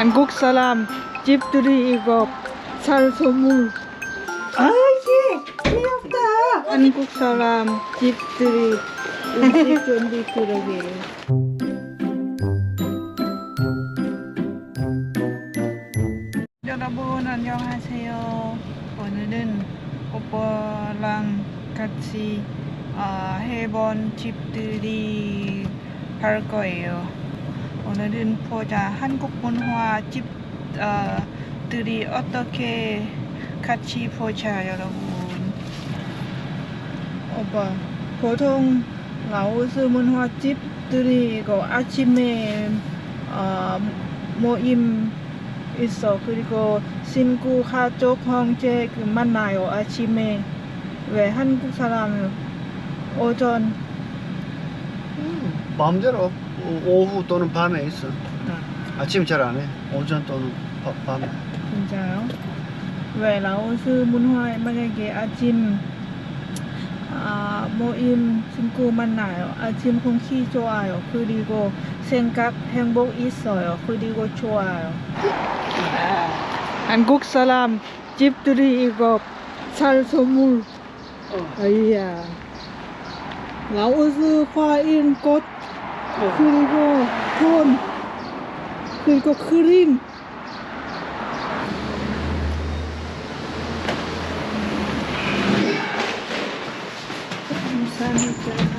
한국 사람 집들이 이거 살소물. 귀엽다. 한국 사람 집들이 음식 준비 그러게요. 여러분 안녕하세요. 오늘은 오빠랑 같이 해본 집들이 할 거예요. 오늘은 보자 한국 문화 집들이 어떻게 같이 보자 여러분. 오빠 보통 라오스 문화 집들이 이거 아침에 모임 있어. 그리고 친구 가족 형제 만나요 아침에. 왜 한국 사람은 오전 마음대로 오후 또는 밤에 있어. 아침 잘 안 해. 오전 또는 밤에. 진짜요? 왜 라오스 문화에 만약에 아침 모임 친구 만나요. 아침 공기 좋아요. 그리고 생각 행복 있어요. 그리고 좋아요. 한국 사람 집들이 이거 살소물. 아이야. 라오스 과일 꽃 그리고 돈 그리고 크림. 감사합니다.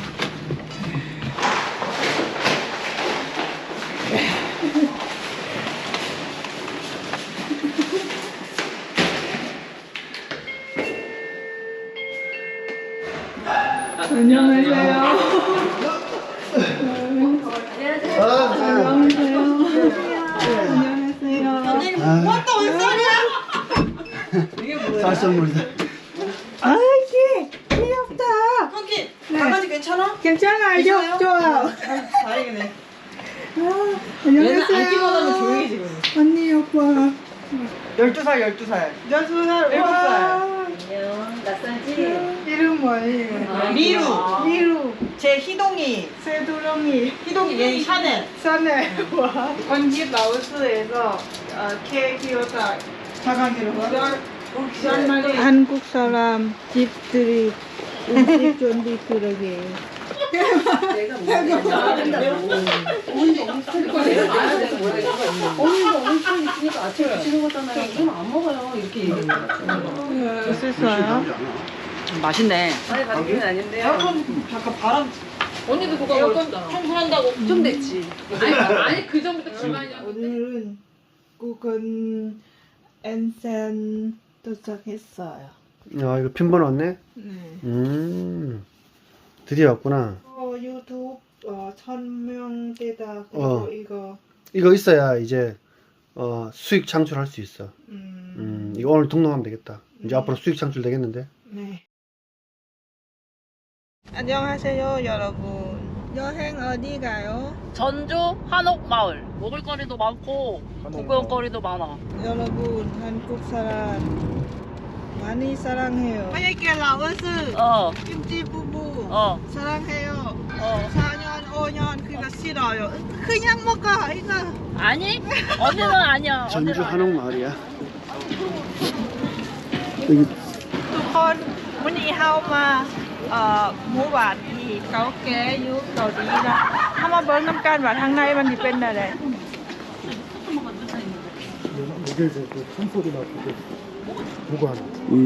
안녕하세요. 안녕하세요. 안녕하세요. 왔다 온 소리야? 쌀선물이다. 귀엽다. 형기 강아지 괜찮아? 괜찮아요. 좋아요. 다행이네. 안녕하세요. 얘는 안 찍어다면 조용히 지금. 언니 오빠. 12살 12살 12살. 7살. 안녕, 낯선지? 이름 뭐예요? 미루. 미루. 제 희동이. 새두렁이. 희동이 얘는 샤넬. 샤넬. 와. 언니 라오스에서 케 키웠다. 자가기로 한국 사람 집들이 음식 준비 그러게요. 내가 언니가 온천 있으니까 아침에 드시는 거잖아요. 이건 안 먹어요. 이렇게 얘기해요. 맛있어요? 맛있네. 아니, 가족은 아닌데요. 에어컨 잠깐 바람. 언니도 그거 에어컨 청소한다고 좀 됐지. 아니 그 전부터 집안이 오늘은 구건 엔센 도착했어요. 이거 핀번 왔네? 네. 드디어 왔구나. 유튜브 1000명대다. 그리고 이거 있어야 이제 수익 창출할 수 있어. 이거 이거 오늘 등록하면 되겠다. 이제 앞으로 수익 창출 되겠는데? 네. 안녕하세요 여러분. 여행 어디 가요? 전주 한옥마을 먹을거리도 많고 구경거리도 많아. 여러분 한국 사람 많이 사랑해요. 만약에 라오스 김치 부부 사랑해요. 4년 5년 그거 싫어요. 그냥 먹어 이거. 아니 언니는 아니야. 전주 한옥마을이야. 여기 ทุกคนวันนี้เฮามาหมู่บ้านที่เก่าแก่อยู่เกาหลีนะเฮามาเบิ่งน้ำกันว่าทางในมันสิเป็นอะไร 여기에서 그 총소리 나고 보고 하나.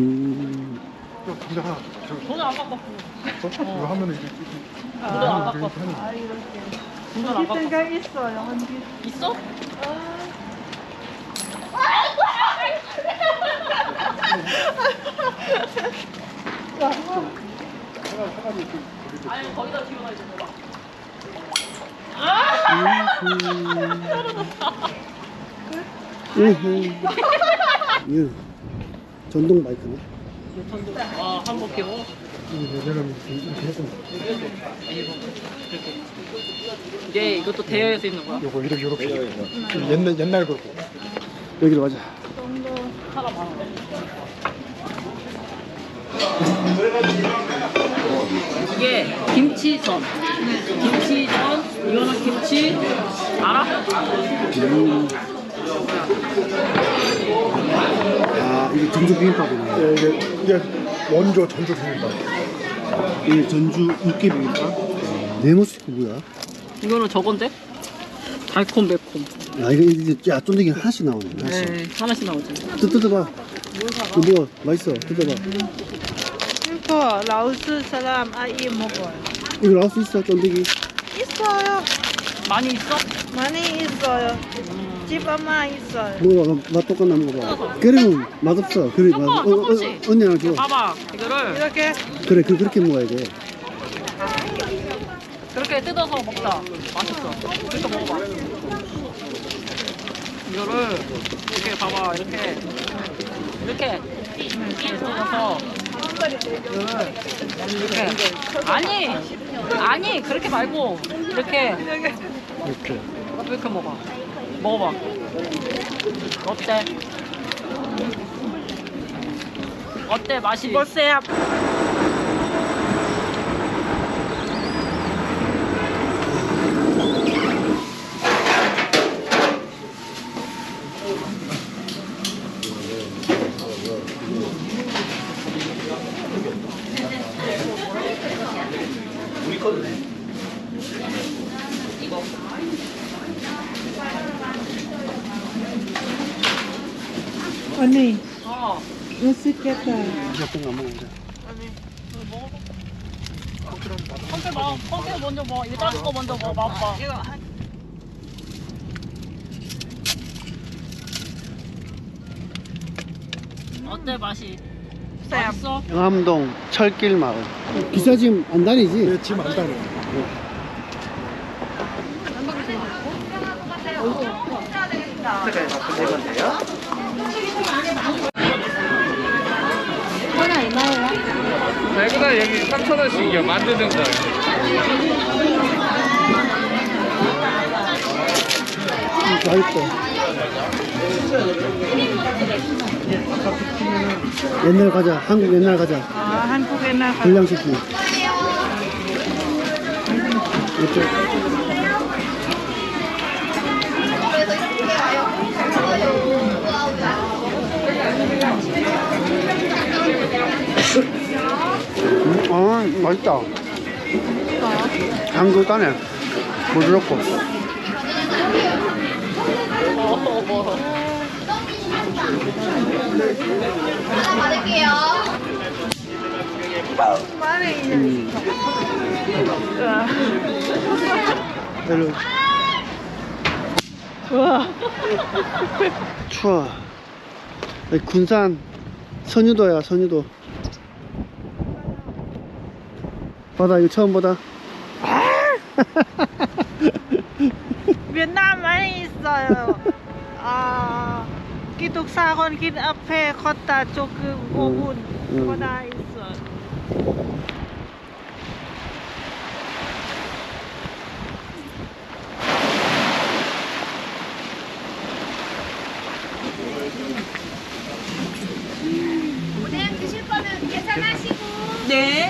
근데 하나 돈을 안 갖고 이거 하면은 이게 돈을 안 갖고 왔어. 아 이렇게 돈을 안 갖고 데가 있어요. 한개 있어? 아니 거기다 뒤로 가야 돼. 전동 마이크네. 한번 키고. 왜냐면 이렇게 해서 이제 이것도 대여해서 있는 거야. 요거 이렇게 옛날 거고 여기로 가자. 사람 많아. 이게 김치전. 김치전, 이거는 김치 알아? 아, 이게 전주 비빔밥이네. 예, 이게 원조 전주 비빔밥. 이게 전주 육개 비빔밥? 네모스틱 뭐야? 이거는 저건데? 달콤 매콤. 야, 이거, 야, 쫀득이 하나씩 나오네. 하나씩. 네, 하나씩 나오지. 뜯어봐. 이거 뭐야? 맛있어. 뜯어봐. 이거 라오스 사람 아이 먹어요. 이거 나올 수 있어, 쫀득이? 있어요. 많이 있어? 많이 있어요. 집 엄마 있어요. 먹어봐. 맛 똑같나 먹어봐. 그러면 맛없어. 그래, 조금, 조금씩. 언니랑 줘. 봐봐. 이거를 이렇게 그래, 그렇게 먹어야 돼. 그렇게 뜯어서 먹자. 맛있어. 그렇게 먹어봐. 이거를 이렇게 봐봐. 이렇게 뜯어서 이거를 이렇게 아니 그렇게 말고 이렇게 이렇게 먹어봐. 어때? 어때 맛이? 보세요. 언니, 맛있겠다. 어떤 거 먹어보자. 콩깨 먼저 먹어. 이거 작은 거 먼저 먹어. 맛봐. 어때 맛이? 맛있어? 영암동 철길 마을. 기사 지금 안 다니지? 네, 지금 안 다녀. 배구다 여기 3,000원씩이요. 만드는 거. 맛있어. 옛날 가자. 한국 옛날 가자. 아, 한국에 나가. 불량식품. 이쪽. 맛있다. 한국 가네. 부드럽고. 별로. 우와. 추워. 여기 군산 선유도야, 선유도. 바다 이거 처음 보다. 베트남 많이 있어요. 아, 기숙사 건길 앞에 걷다 조금 5분 거다 있어요. 오뎅 드실 거는 계산하시고. 네.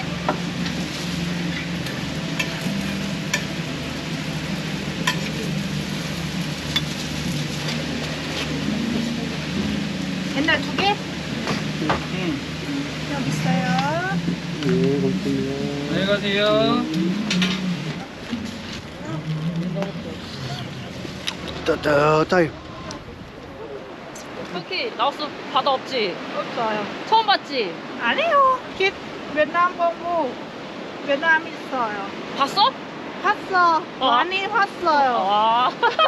옛날 두 개? 여기 있어요. 네, 감사합니다. 안녕히 가세요. 따뜻하이. 터키 라오스 바다 없지? 없어요. 처음 봤지? 아니요. 베트남 보고 베트남 있어요. 봤어? 봤어. 많이 봤어요. 아.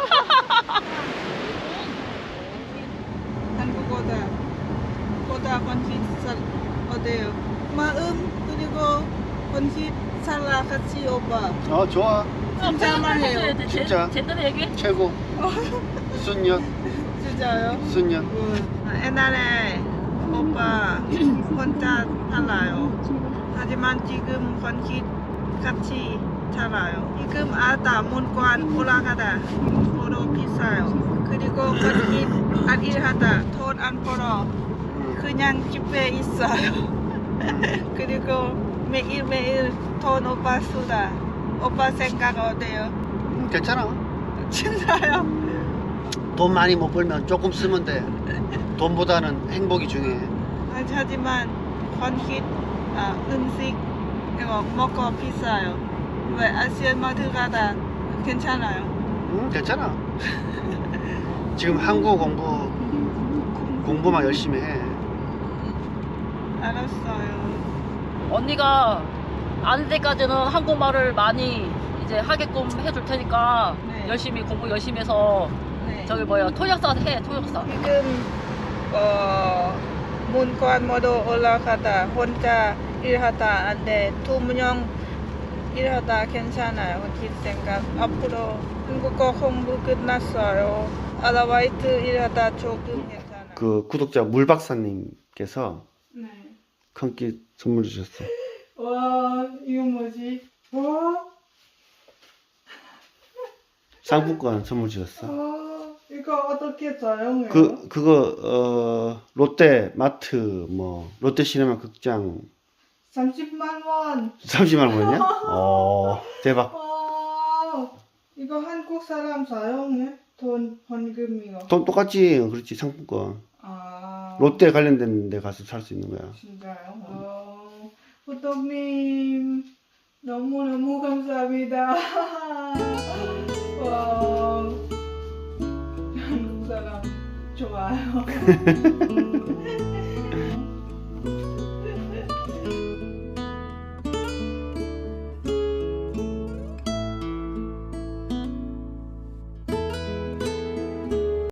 한국어다. 거다 건식 어때요? 마음 그리고 건식 살라 같이 오빠. 좋아. 진짜 말해요. 진짜. 제대로 얘기해. 최고. 순년. 진짜요? 순년. 옛날에 오빠 혼자 살아요. 하지만 지금 건식 같이 살아요. 지금 아다 문관 올라가다 서로 비싸요. 그리고 건식 안 일하다 돈 안 벌어 그냥 집에 있어요. 그리고 매일매일 돈 오빠 쓰다. 오빠 생각 어때요? 괜찮아. 진짜요? 돈 많이 못 벌면 조금 쓰면 돼. 돈보다는 행복이 중요해. 하지만 건킷 음식 이거 먹고 비싸요. 왜 아시아마트 가다 괜찮아요? 응, 괜찮아. 지금 한국어 공부만 열심히 해. 알았어요. 언니가 아는 데까지는 한국말을 많이 이제 하게끔 해줄 테니까 네. 열심히 공부 열심히 해서 네. 저기 뭐야 통역사 해 통역사. 지금 문관 모두 올라가다 혼자 일하다 안돼 2명 일하다 괜찮아요. 건킷 생각 앞으로 한국어 공부 끝났어요. 아르바이트 일하다 조금 괜찮아요. 그 구독자 물박사님께서 네. 큰끼 선물 주셨어. 와 이거 뭐지? 와 상품권 선물 주셨어. 이거 어떻게 사용해요? 그거 롯데 마트 뭐 롯데 시네마 극장 30만 원. 30만 원이냐? 대박. 이거 한국 사람 사용해? 돈 헌금 이거. 돈 똑같지. 그렇지. 상품권. 롯데 관련된 데 가서 살 수 있는 거야. 진짜요? 호떡님 너무너무 감사합니다. 와, 한국 사람 좋아요.